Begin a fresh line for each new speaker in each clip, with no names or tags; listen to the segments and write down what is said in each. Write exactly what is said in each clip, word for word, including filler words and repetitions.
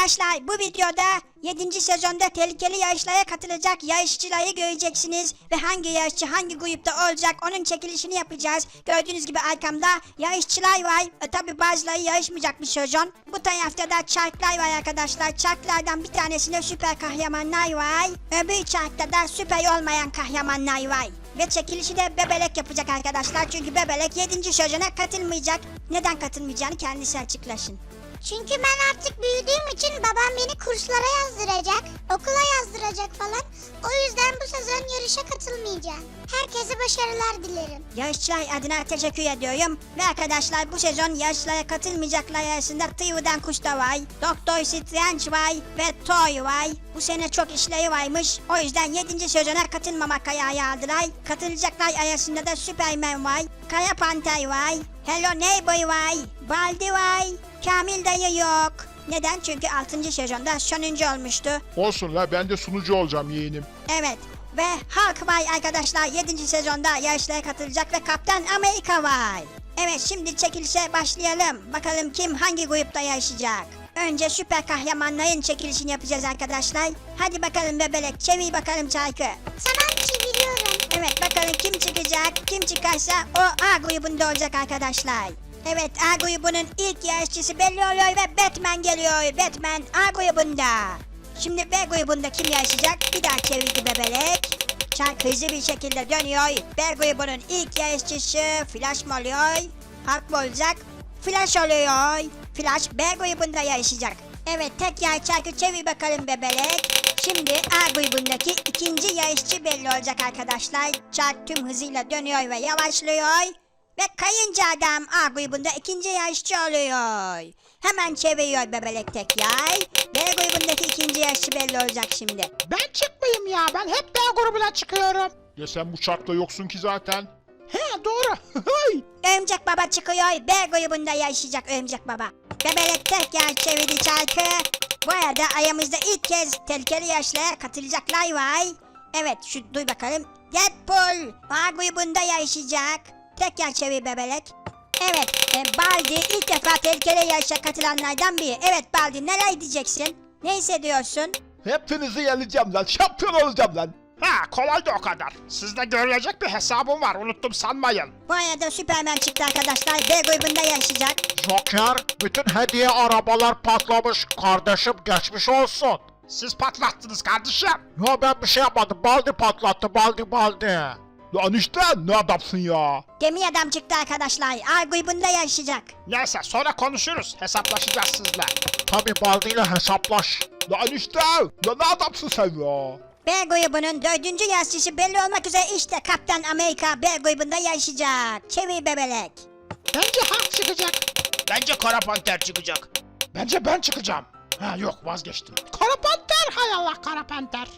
Arkadaşlar bu videoda yedinci sezonda tehlikeli yarışlara katılacak yarışçıları göreceksiniz. Ve hangi yarışçı hangi grupta olacak onun çekilişini yapacağız. Gördüğünüz gibi arkamda yarışçılar var. E, tabi bazıları yarışmayacak bir sezon. Bu tarafta da çarklar var arkadaşlar. Çarklardan bir tanesinde süper kahramanlar var. Öbür çarkta da süper olmayan kahramanlar var. Ve çekilişi de Bebelek yapacak arkadaşlar. Çünkü Bebelek yedinci sezona katılmayacak. Neden katılmayacağını kendisi açıklasın.
Çünkü ben artık büyüdüğüm için babam beni kurslara yazdıracak, okula yazdıracak falan. O yüzden bu sezon yarışa katılmayacağım. Herkese başarılar dilerim.
Yarışçılar adına teşekkür ediyorum. Ve arkadaşlar bu sezon yarışlara katılmayacaklar arasında Tıyı'dan Kuş da var. Doktor Strange var ve Toy var. Bu sene çok işleri varmış. O yüzden yedinci sezona katılmamak kararı aldılar. Katılacaklar arasında da Superman var. Kara Panter var. Hello Neighbor var. Baldi var. Kamil dayı yok. Neden? Çünkü altıncı sezonda sonuncu olmuştu.
Olsun la, ben de sunucu olacağım yeğenim.
Evet. Ve Hulk var arkadaşlar. yedinci sezonda yarışlara katılacak ve Kaptan Amerika var. Evet, şimdi çekilişe başlayalım. Bakalım kim hangi grupta yarışacak. Önce süper kahramanların çekilişini yapacağız arkadaşlar. Hadi bakalım Bebelek, çevir bakalım çarkı.
Tamam, çeviriyorum.
Evet, bakalım kim çıkacak. Kim çıkarsa o A grubunda olacak arkadaşlar. Evet, A grubunun ilk yarışçısı belli oluyor ve Batman geliyor. Batman A grubunda. Şimdi B grubunda kim yarışacak? Bir daha çevirdi Bebelek. Çark hızlı bir şekilde dönüyor. B grubunun ilk yarışçısı Flash mı oluyor? Hulk mı olacak? Flash oluyor. Flash B grubunda yarışacak. Evet, tek yer çarkı çevir bakalım Bebelek. Şimdi A grubundaki ikinci yarışçı belli olacak arkadaşlar. Çark tüm hızıyla dönüyor ve yavaşlıyor. Ve kayınca adam A grubunda ikinci yarışçı oluyor. Hemen çeviriyor Bebelek tek yay. B grubundaki ikinci yarışçı belli olacak şimdi.
Ben çıkmayayım ya, ben hep B grubuna çıkıyorum.
Ya sen bu çarkta yoksun ki zaten.
He, doğru.
Örümcek Baba çıkıyor. B grubunda yarışacak Örümcek Baba. Bebelek tek yay çevirdi çarkı. Bu arada ayağımızda ilk kez tehlikeli yarışlara katılacaklar var. Evet, şu duy bakalım. Deadpool A grubunda yarışacak. Tek yer çevir Bebelek. Evet, e, Baldi ilk defa tehlikeli yarışa katılanlardan biri. Evet Baldi, neler diyeceksin? Ne hissediyorsun?
Hepinizi yeneceğim lan, şampiyon olacağım lan.
Ha, kolay da o kadar. Sizde görülecek bir hesabım var, unuttum sanmayın.
Bu arada Superman çıktı arkadaşlar. B grubunda yarışacak.
Joker, bütün hediye arabalar patlamış. Kardeşim geçmiş olsun.
Siz patlattınız kardeşim.
Ya ben bir şey yapmadım. Baldi patlattı. Baldi baldi.
Lan işte ne adamsın ya.
Gemi adam çıktı arkadaşlar. A grubunda yarışacak.
Neyse, sonra konuşuruz. Hesaplaşacağız sizle.
Tabi Baldi ile hesaplaş.
Lan işte lan ne adamsın sen ya.
B grubunun dördüncü yarışçısı belli olmak üzere işte Kaptan Amerika B grubunda yarışacak. Çevir Bebelek.
Bence Hulk çıkacak.
Bence Kara Panter çıkacak.
Bence ben çıkacağım. Ha yok, vazgeçtim. Kara Panter, hay Allah, Kara Panter.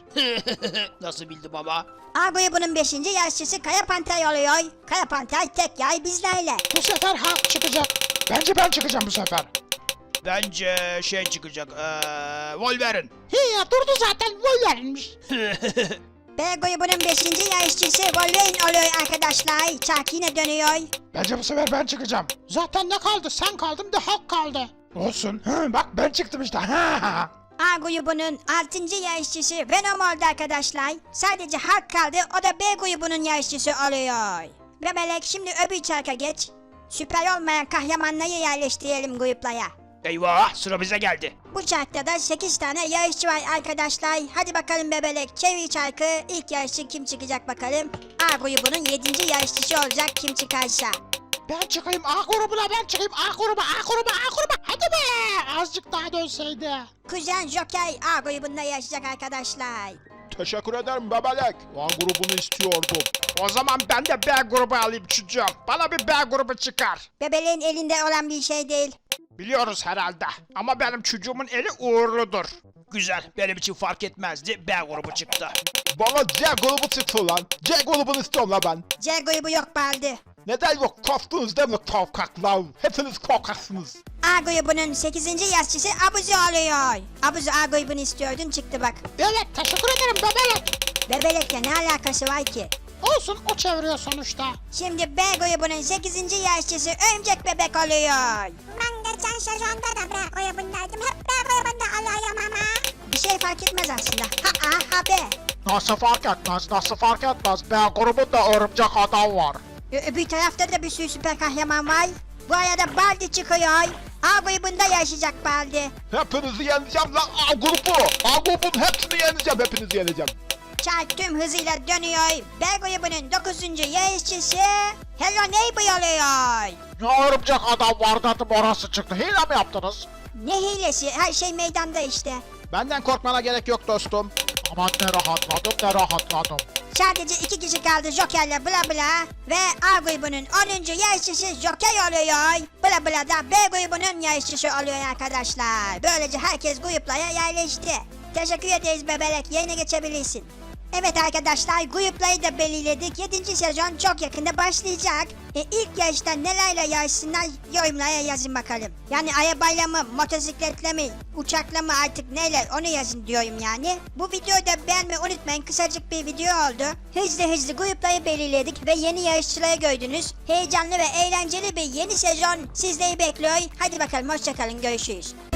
Nasıl bildi baba?
A grubunun beşinci yarışçısı Kara Panter oluyor. Kara Panter tek yay bizlerle.
Bu sefer Hulk çıkacak. Bence ben çıkacağım bu sefer.
Bence şey çıkacak. Ee, Wolverine.
He ya, durdu zaten, Wolverine'miş.
B grubunun beşinci yarışçısı Wolverine oluyor arkadaşlar. Çark yine dönüyor.
Bence bu sefer ben çıkacağım. Zaten ne kaldı? Sen kaldın, da Hulk kaldı. Olsun. Hı, bak ben çıktım işte. Ha.
A grubunun altıncı yarışçısı Venom oldu arkadaşlar. Sadece Hulk kaldı, o da B grubunun yarışçısı oluyor. Bebelek, şimdi öbür çarka geç. Süper olmayan kahramanları yerleştirelim gruplara.
Eyvah, sıra bize geldi.
Bu çarkta da sekiz tane yarışçı var arkadaşlar. Hadi bakalım Bebelek, çevir çarkı. İlk yarışçı kim çıkacak bakalım. A grubunun yedinci yarışçısı olacak kim çıkarsa.
Ben çıkayım A grubuna, ben çıkayım A gruba, A gruba, A gruba. Hadi be! Azıcık daha dönseydi.
Kuzen Joker A grubunda yarışacak arkadaşlar.
Teşekkür ederim Bebelek. Lan grubunu istiyordum.
O zaman ben de B grubu alayım çocuğum. Bana bir B grubu çıkar.
Bebeleğin elinde olan bir şey değil.
Biliyoruz herhalde. Ama benim çocuğumun eli uğurludur.
Güzel, benim için fark etmezdi. B grubu çıktı.
Bana C grubu çıktı lan. C grubunu istiyorum lan ben.
C grubu yok Baldi.
Neden yok, korktunuz değil mi korkaklar? Hepiniz korkaksınız.
A grubunun sekizinci yarışçısı Abuzi oluyor. Abuzi A grubunu istiyordun, çıktı bak.
Evet, teşekkür ederim Bebelek.
Bebelekle ne alakası var ki?
Olsun, o çeviriyor sonuçta.
Şimdi B grubunun sekizinci yarışçısı Örümcek Bebek oluyor.
Ben geçen sezonda da B grubundaydım. Hep B grubunda alay
fark etmez aslında. Ha a ha b.
Nasıl fark etmez, nasıl fark etmez? B grubunda örümcek adam var.
Ö- öbür tarafta da bir sürü süper kahraman var. Bu arada Baldi çıkıyor. A grubunda yaşayacak Baldi.
Hepinizi yeneceğim lan A grubu. A grubun hepsini yeneceğim. Hepinizi yeneceğim.
Çark tüm hızıyla dönüyor. B grubunun dokuzuncu yarışçısı Hello Neighbor oluyor.
Ya örümcek adam var dedim orası çıktı. Hile mi yaptınız?
Ne hilesi? Her şey meydanda işte.
Benden korkmana gerek yok dostum.
Aman ne rahatladım ne rahatladım.
Sadece iki kişi kaldı Joker'le bla bla ve A grubunun onuncu yarışçısı Joker oluyor. Bla bla da B grubunun yarışçısı oluyor arkadaşlar. Böylece herkes gruplara yerleşti. Teşekkür ederiz bebelek. Yayına geçebilirsin. Evet arkadaşlar grupları da belirledik. yedinci sezon çok yakında başlayacak. E, ilk yarışta nelerle yarışsınlar yorumlara yazın bakalım. Yani arabayla mı, motosikletle mi, uçakla mı artık neyle onu yazın diyorum yani. Bu videoyu da beğenmeyi unutmayın. Kısacık bir video oldu. Hızlı hızlı grupları belirledik ve yeni yarışçıları gördünüz. Heyecanlı ve eğlenceli bir yeni sezon sizleri bekliyor. Hadi bakalım hoşçakalın görüşürüz.